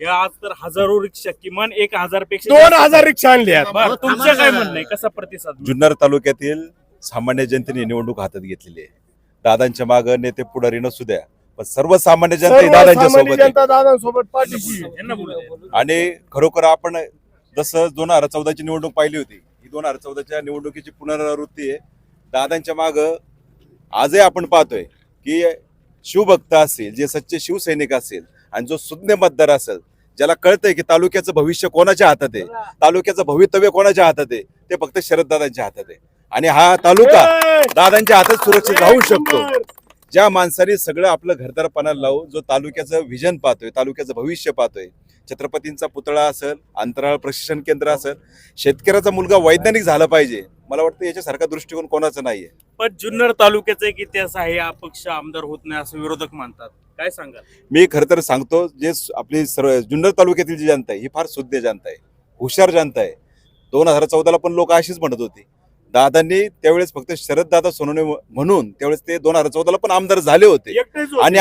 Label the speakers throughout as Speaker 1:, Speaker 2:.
Speaker 1: या आज तर हजारो रिक्षा, किमान 1000 पेक्षा
Speaker 2: 2000 रिक्षा आणल्या.
Speaker 1: तुमचं काय म्हणणं आहे, कसा प्रतिसाद?
Speaker 3: जुन्नर तालुक्यातील सामान्य जनतेने निवडणूक हातात घेतलेली आहे. दादांच्या मागे नेते पुढारी नसू द्या, पण सर्वसामान्य जनता ही दादांच्या सोबत आहे.
Speaker 2: दादांसोबत पाठीशी.
Speaker 1: यांना बोलू द्या.
Speaker 3: आणि खरोखर आपण जसं 2014ची निवडणूक पाहिली होती, ही 2014च्या निवडणुकीची पुनरावृत्ती आहे. दादांच्या मागं आजही आपण पाहतोय की शिवभक्त असेल, जे सच्चे शिवसैनिक असेल आणि जो सुज्ञ मतदार असेल, ज्याला कळतंय की तालुक्याचं भविष्य कोणाच्या हातात आहे, तालुक्याचं भवितव्य कोणाच्या हातात आहे, ते फक्त शरददादांच्या हातात आहे. आणि हा तालुका दादांच्या हातात सुरक्षित राहू शकतो. ज्या माणसाने सगळं आपलं घरदारपणाला लावून जो तालुक्याचं व्हिजन पाहतोय, तालुक्याचं भविष्य पाहतोय, छत्रपतींचा पुतळा असेल, अंतराळ प्रशिक्षण केंद्र असेल, शेतकऱ्याचा मुलगा वैज्ञानिक झाला पाहिजे, मला वाटतं याच्यासारखा दृष्टिकोन कोणाचा नाहीये.
Speaker 1: पण जुन्नर तालुक्याचा एक इतिहास आहे, अपक्ष आमदार होत नाही असं विरोधक मानतात, काय सांगाल?
Speaker 3: मी खरं तर सांगतो, जे आपली सर्व जुन्नर तालुक्यातील जी जनता आहे ही फार शुद्ध जनता आहे, हुशार जनता आहे. 2014ला पण लोक अशीच म्हणत होती. दादांनी त्यावेळेस फक्त शरददादा सोनवणे म्हणून त्यावेळेस ते 2014ला पण आमदार झाले होते. आणि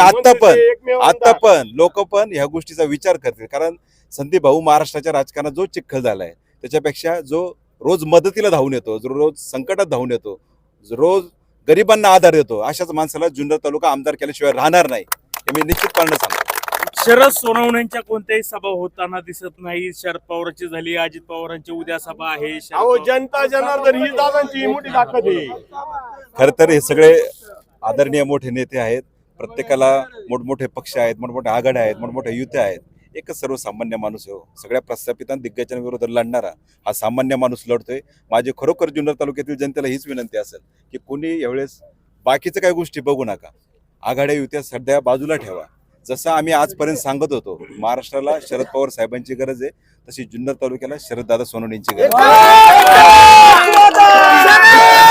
Speaker 3: आता पण लोक पण ह्या गोष्टीचा विचार करतील. कारण संदीप भाऊ महाराष्ट्राच्या राजकारणात जो चिखल झालाय, त्याच्यापेक्षा जो रोज मदतीला धावून येतो, जो रोज संकटात धावून येतो, जो रोज गरिबांना आधार देतो, अशाच माणसाला जुन्नर तालुका आमदार केल्याशिवाय राहणार नाही, हे मी निश्चितपणे सांगतो.
Speaker 1: शरद सोनवण्यांच्या कोणत्याही सभा होताना दिसत नाही. शरद पवारांची झाली, अजित पवारांची उद्या सभा आहे.
Speaker 2: जनता जनार्दन ही दादांची मोठी ताकद आहे.
Speaker 3: खर तर हे सगळे आदरणीय मोठे नेते आहेत. प्रत्येकाला मोठमोठे पक्ष आहेत, मोठमोठ्या आघाड्या आहेत, मोठमोठ्या युत्या आहेत. एकच सर्वसामान्य माणूस आहे. सगळ्या प्रस्थापित दिग्गजांविरोधात लढणारा हा सामान्य माणूस लढतोय. माझी खरोखर जुन्नर तालुक्यातील जनतेला हीच विनंती असेल की कोणी यावेळेस बाकीचं काही गोष्टी बघू नका. आघाड्या युत्या सध्या बाजूला ठेवा. जसं आम्ही आजपर्यंत सांगत होतो, महाराष्ट्राला शरद पवार साहेबांची गरज आहे, तशी जुन्नर तालुक्याला शरददादा सोनवणेंची गरज आहे.